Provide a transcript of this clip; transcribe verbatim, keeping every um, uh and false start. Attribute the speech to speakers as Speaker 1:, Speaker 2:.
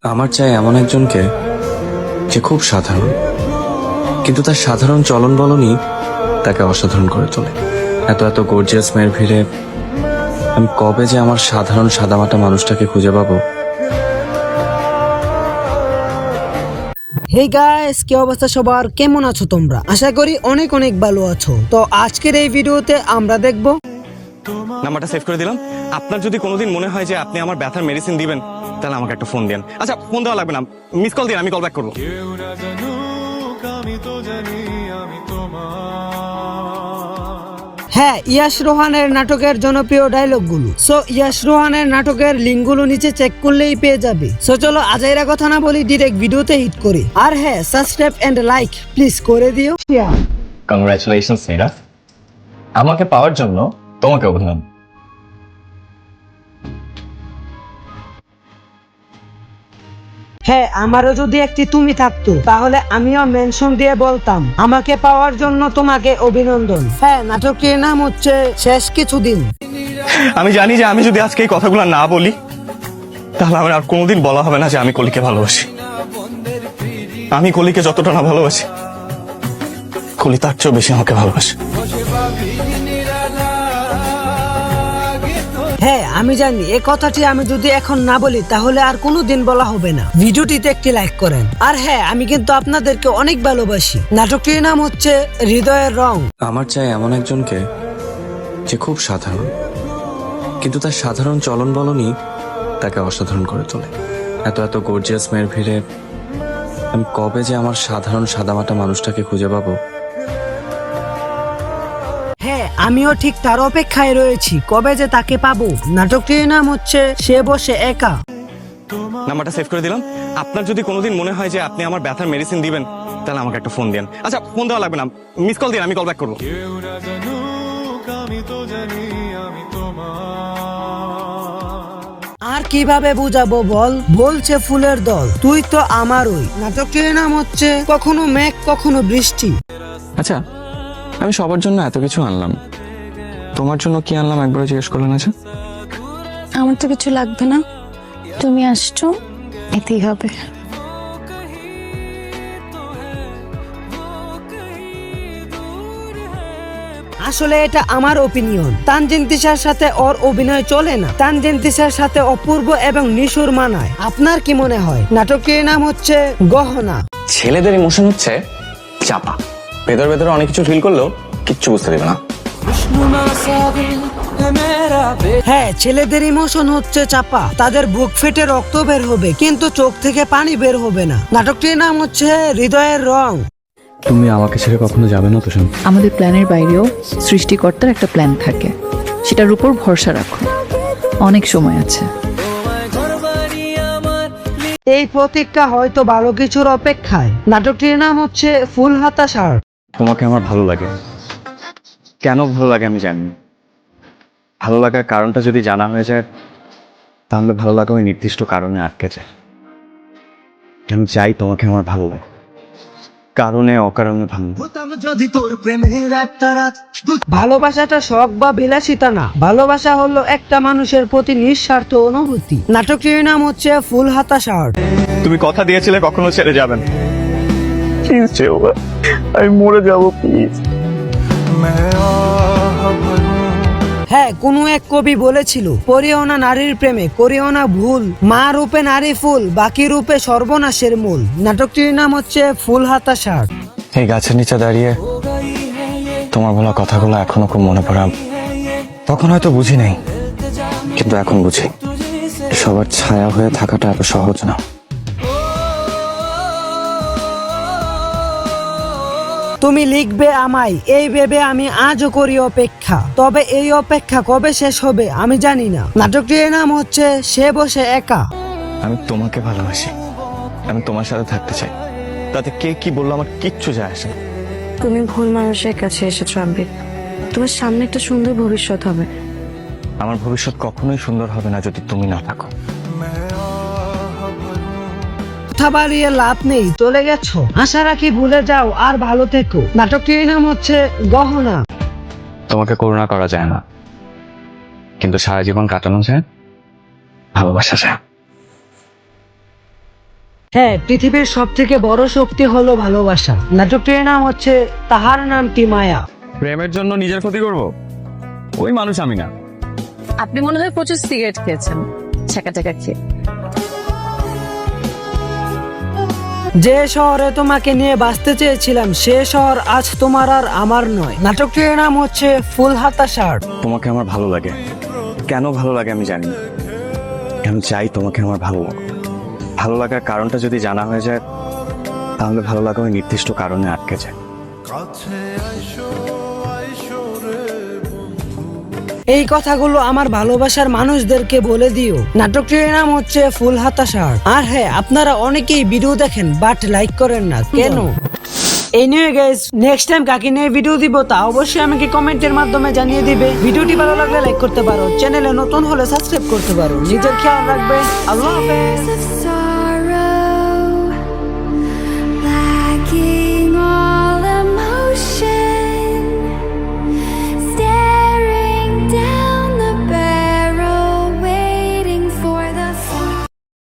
Speaker 1: আমার চাই এমন একজনকে যে খুব সাধারণ, কিন্তু তার সাধারণ চলন বলনই তাকে অসাধারণ করে তোলে। এত এত গর্জিয়াস মেয়ের ভিড়ে আমি কবে যে আমার সাধারণ সাদামাটা মানুষটাকে খুঁজে পাবো।
Speaker 2: হে গাইস, কি অবস্থা সবার? কেমন আছো তোমরা? আশা করি অনেক অনেক ভালো আছো। তো আজকের এই ভিডিওতে আমরা দেখব,
Speaker 3: নাম্বারটা সেভ করে দিলাম। আপনার যদি কোনোদিন মনে হয় যে আপনি আমার ব্যথার মেডিসিন দিবেন, তাহলে আমাকে একটা ফোন দেন। আচ্ছা, ফোন দেওয়া লাগবে না, মিস কল দিন, আমি কল ব্যাক করবো।
Speaker 2: হ্যাঁ, ইয়াশ রোহানের নাটকের জনপ্রিয় ডায়লগগুলো। সো ইয়াশ রোহানের নাটকের লিঙ্কগুলো নিচে চেক করলেই পেয়ে যাবে। সো চলো আজাইরা কথা না বলি, ডিরেক্ট ভিডিওতে হিট করি। আর হ্যাঁ, সাবস্ক্রাইব এন্ড লাইক প্লিজ করে দিও।
Speaker 4: কংগ্রাচুলেশনস নীরা, আমাকে পাওয়ার জন্য তোমাকে অভিনন্দন।
Speaker 2: হ্যাঁ, আমারও যদি একটি তুমি থাকতো তাহলে আমিও মেনশন দিয়ে বলতাম, আমাকে পাওয়ার জন্য তোমাকে অভিনন্দন। হ্যাঁ, নাটকের নাম হচ্ছে শেষ কিছুদিন।
Speaker 3: আমি জানি যে আমি যদি আজকে এই কথাগুলো না বলি, তাহলে আমার আর কোনোদিন বলা হবে না যে আমি কলিকে ভালোবাসি। আমি কলিকে যতটা না ভালোবাসি, কলি তার চেয়েও বেশি আমাকে ভালোবাসে।
Speaker 2: হ্যাঁ, আমি জানি এই কথাটি আমি যদি এখন না বলি তাহলে আর কোনোদিন বলা হবে না। ভিডিওটিতে একটি লাইক করেন। আর হ্যাঁ, আমি কিন্তু আপনাদেরকে অনেক ভালোবাসি। নাটকটির নাম হচ্ছে হৃদয়ের রং।
Speaker 1: আমার চাই এমন একজনকে যে খুব সাধারণ, কিন্তু তার সাধারণ চলন বলনই তাকে অসাধারণ করে তোলে। এত এত গর্জিয়াস মেয়ের ভিড়ে আমি কবে যে আমার সাধারণ সাদামাটা মানুষটাকে খুঁজে পাবো।
Speaker 2: হ্যাঁ, আমিও ঠিক তার অপেক্ষায় রয়েছি, কবে যে তাকে পাবো। নাটকটির নাম হচ্ছে সে বসে একা।
Speaker 3: নাম্বারটা সেভ করে দিলাম। আপনার যদি কোনোদিন মনে হয় যে আপনি আমার ব্যথার মেডিসিন দিবেন, তাহলে আমাকে একটা ফোন দেন। আচ্ছা, ফোন দেওয়া লাগবে না, মিস কল দিন, আমি কল ব্যাক করবো।
Speaker 2: আর কিভাবে বুঝাবো বল? বলছে ফুলের দল, তুই তো আমারই। নাটকটির নাম হচ্ছে কখনো মেঘ কখনো বৃষ্টি।
Speaker 1: আচ্ছা, আমি সবার জন্য এত কিছু আনলাম, তোমার জন্য কি আনলাম একবার জিজ্ঞেস করলেন? আচ্ছা,
Speaker 5: আমার তো কিছু লাগবে না, তুমি আসছো এতেই হবে।
Speaker 2: আসলে এটা আমার ওপিনিয়ন। তানজিন তিশার সাথে ওর অভিনয় চলে না। তানজিন তিশার সাথে অপূর্ব এবং নিশুর মানায়। আপনার কি মনে হয়? নাটকটির নাম হচ্ছে গহনা।
Speaker 4: ছেলেদের ইমোশন হচ্ছে চাপা, ভেতর ভেতরে অনেক কিছু ফিল করলেও কিচ্ছু বুঝতে দেবে না।
Speaker 2: হ্যাঁ, ছেলেদের ইমোশন হচ্ছে চাপা। তাদের বুক ফেটে রক্ত বের হবে কিন্তু চোখ থেকে পানি বের হবে না। নাটকটির নাম হচ্ছে হৃদয়ের রং।
Speaker 1: তুমি আমাকে ছেড়ে কখনো যাবে না তো? শুন,
Speaker 6: আমাদের প্ল্যানের বাইরেও সৃষ্টিকর্তার একটা প্ল্যান থাকে, সেটার উপর ভরসা রাখো, অনেক সময় আছে।
Speaker 2: এই প্রতীকটা হয়তো ভালো কিছুর অপেক্ষায়। নাটকটির নাম হচ্ছে ফুল হাতা শার্ট।
Speaker 4: তোমাকে আমার ভালো লাগে, কেন ভালো লাগে আমি জানি। ভালো লাগার কারণটা যদি জানা হয়ে যায়, তাহলে ভালো লাগা ওই নির্দিষ্ট কারণে আটকে যায়। আমি চাই তোমাকে আমার ভালো লাগে, কারণে অকারণে ভালো।
Speaker 2: ভালোবাসাটা শখ বা বিলাসিতা না, ভালোবাসা হলো একটা মানুষের প্রতি নিঃস্বার্থ অনুভূতি। নাটকটির নাম হচ্ছে ফুল হাতা শার্ট।
Speaker 3: তুমি কথা দিয়েছিলে কখনো ছেড়ে যাবেন। প্লিজ যেও না, আমি মরে যাবো, প্লিজ।
Speaker 2: হ্যাঁ, কোনো এক কবি বলেছিল, করিও না নারীর প্রেমে করিও না ভুল, মা রূপে নারী ফুল, বাকি রূপে সর্বনাশের মূল। নাটকটির নাম হচ্ছে ফুল হাতা শার্ট।
Speaker 1: এই গাছের নিচে দাঁড়িয়ে তোমার বলা কথাগুলো এখনো খুব মনে পড়ে। তখন হয়তো বুঝি নাই, কিন্তু এখন বুঝি সবার ছায়া হয়ে থাকাটা এত সহজ না।
Speaker 2: তুমি লিখবে আমায় এই ভেবে আমি আজও করি অপেক্ষা, তবে এই অপেক্ষা কবে শেষ হবে আমি জানি না। নাটকটির নাম হচ্ছে সে বসে একা।
Speaker 3: আমি তোমাকে ভালোবাসি, আমি তোমার সাথে থাকতে চাই, তাতে কে কি বললো আমার কিচ্ছু যায় আসে না।
Speaker 5: তুমি ভুল মানুষের কাছে এসেছো আবির, তোমার সামনে একটা সুন্দর ভবিষ্যৎ হবে।
Speaker 3: আমার ভবিষ্যৎ কখনোই সুন্দর হবে না যদি তুমি না থাকো।
Speaker 2: কথা বাড়িয়ে লাভ নেই, চলে গেছো, আশা রাখি ভুলে যাও আর ভালো থেকো। নাটকটির নাম হচ্ছে গহনা।
Speaker 4: তোমাকে করুণা করা যায় না, কিন্তু সারা জীবন কাটানো যায় ভালোবাসা যায়।
Speaker 2: হ্যাঁ, পৃথিবীর সব থেকে বড় শক্তি হলো ভালোবাসা। নাটকটির নাম হচ্ছে তাহার নামটি মায়া।
Speaker 4: প্রেমের জন্য নিজের ক্ষতি করব ওই মানুষ আমি না।
Speaker 6: আপনি মনে হয় প্রচুর সিগারেট খেয়েছেন ছাকা টাকা খেয়ে।
Speaker 2: যে শহরে তোমাকে নিয়ে বাঁচতে চেয়েছিলাম সে শহর আজ তোমার আর আমার নয়। নাটকটির নাম হচ্ছে ফুল হাতা শার্ট।
Speaker 4: তোমাকে আমার ভালো লাগে, কেন ভালো লাগে আমি জানি না। আমি চাই তোমাকে আমার ভালো লাগে। ভালো লাগার কারণটা যদি জানা হয়ে যায় তাহলে ভালো লাগা ওই নির্দিষ্ট কারণে আটকে যায়।
Speaker 2: এই কথাগুলো আমার ভালোবাসার মানুষদেরকে বলে দিও। নাটকটির নাম হচ্ছে ফুল হাতা শার্ট। আর হ্যাঁ, আপনারা অনেকেই ভিডিও দেখেন বাট লাইক করেন না কেন? এই নিয়ে গাইস নেক্সট টাইম কাকে নিয়ে ভিডিও দিব তা অবশ্যই আমাকে কমেন্টের মাধ্যমে জানিয়ে দিবে। ভিডিওটি ভালো লাগলে লাইক করতে পারো, চ্যানেলে নতুন হলে সাবস্ক্রাইব করতে পারো। নিজের খেয়াল রাখবে। আল্লাহ হাফেজ।